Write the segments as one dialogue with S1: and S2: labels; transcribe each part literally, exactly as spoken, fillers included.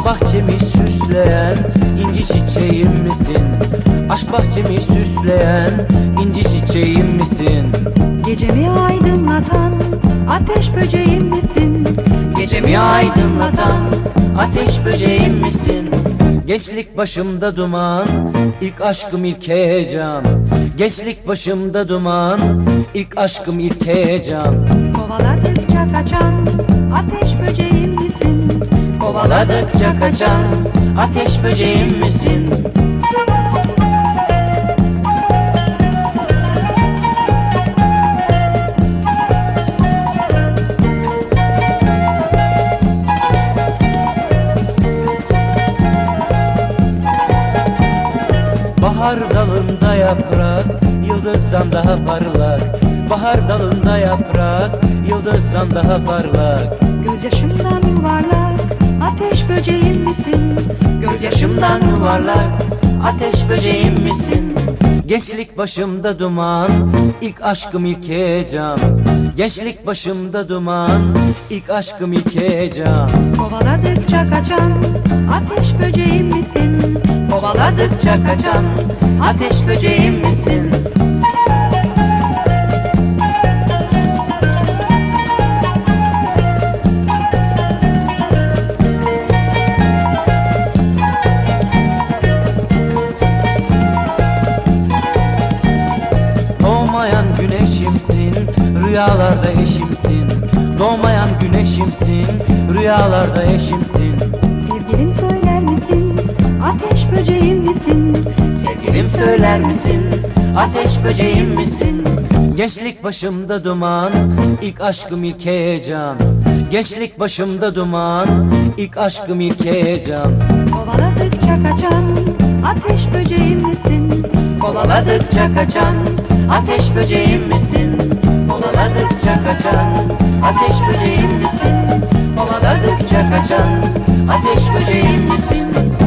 S1: Aşk bahçemi süsleyen inci çiçeğim misin? Aşk bahçemi süsleyen inci çiçeğim misin?
S2: Gecemi aydınlatan ateş böceğim misin?
S1: Gecemi aydınlatan ateş böceğim misin? Gençlik başımda duman, ilk aşkım ilk heyecan. Gençlik başımda duman, ilk aşkım ilk heyecan.
S2: Kovaladıkça kaçan ateş böceğim misin?
S1: Kovaladıkça kaçan ateş böceğim misin? Bahar dalında yaprak, yıldızdan daha parlak. Bahar dalında yaprak, yıldızdan daha parlak.
S2: Gözyaşımdan yuvarlak ateş böceğim misin?
S1: Gözyaşımdan yuvarlak, ateş böceğim misin? Gençlik başımda duman, ilk aşkım ilk heyecan. Gençlik başımda duman, ilk aşkım ilk heyecan.
S2: Kovaladıkça kaçan ateş böceğim misin?
S1: Kovaladıkça kaçan ateş böceğim misin? Doğmayan güneşimsin, rüyalarda eşimsin. Doğmayan güneşimsin, rüyalarda eşimsin.
S2: Sevgilim söyler misin? Ateş böceğim misin?
S1: Sevgilim söyler misin? Ateş böceğim misin? Gençlik başımda duman, ilk aşkım ilk heyecan. Gençlik başımda duman, ilk aşkım ilk heyecan.
S2: Kovaladıkça kaçan ateş böceğim misin?
S1: Kovaladıkça kaçan ateş böceğim misin? Kovaladıkça kaçan ateş böceğim misin? Kovaladıkça kaçan ateş böceğim misin?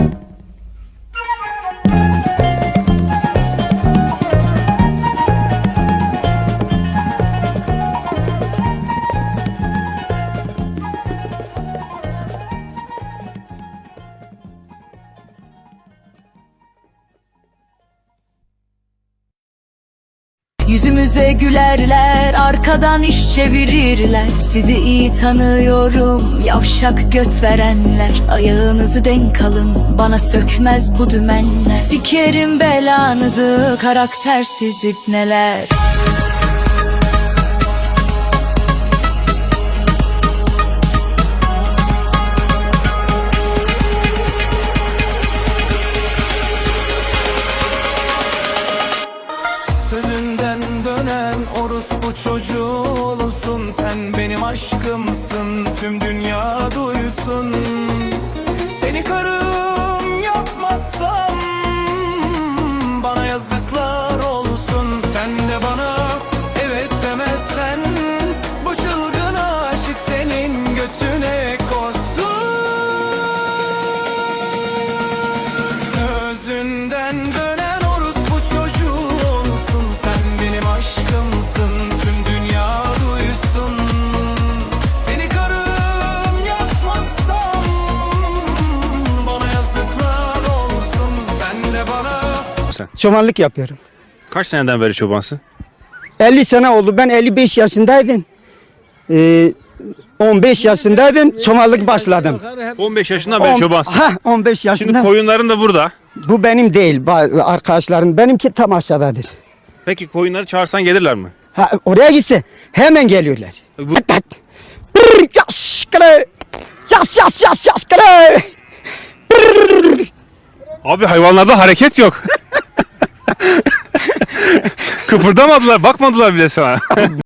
S3: Yüzümüze gülerler, arkadan iş çevirirler. Sizi iyi tanıyorum, yavşak göt verenler. Ayağınızı denk alın, bana sökmez bu dümenler. Sikerim belanızı, karaktersiz ibneler.
S4: Sözünden dönen orospu çocuğulusun. Sen benim aşkımsın, tüm dünya duysun. Seni karım yapmazsam bana yazıklar olsun. Sen de bana evet demezsen bu çılgın aşık senin götüne koşsun. Sözünden dönen orospu çocuğu aşkımsın, tüm dünya duysun. Seni karım yapmazsam bana yazıklar olsun. Sen de bana.
S5: Sen
S6: Çobanlık yapıyorum.
S5: kaç seneden beri çobansın?
S6: elli sene oldu. Ben elli beş yaşındaydım. Ee, on beş yaşındaydım. Çobanlık başladım.
S5: on beş yaşından beri
S6: On-
S5: çobansın.
S6: Ha, on beş
S5: Şimdi
S6: yaşında.
S5: koyunların da burada.
S6: Bu benim değil. ba- Arkadaşlarım. Benimki tam aşağıdadır.
S5: Peki koyunları çağırsan gelirler mi?
S6: Ha, oraya gitse hemen geliyorlar.
S5: Bu-
S6: Tat tat. Brr, Yas kale. Yas yas yas yas kale.
S5: Abi hayvanlarda hareket yok. Kıpırdamadılar, bakmadılar bile sana.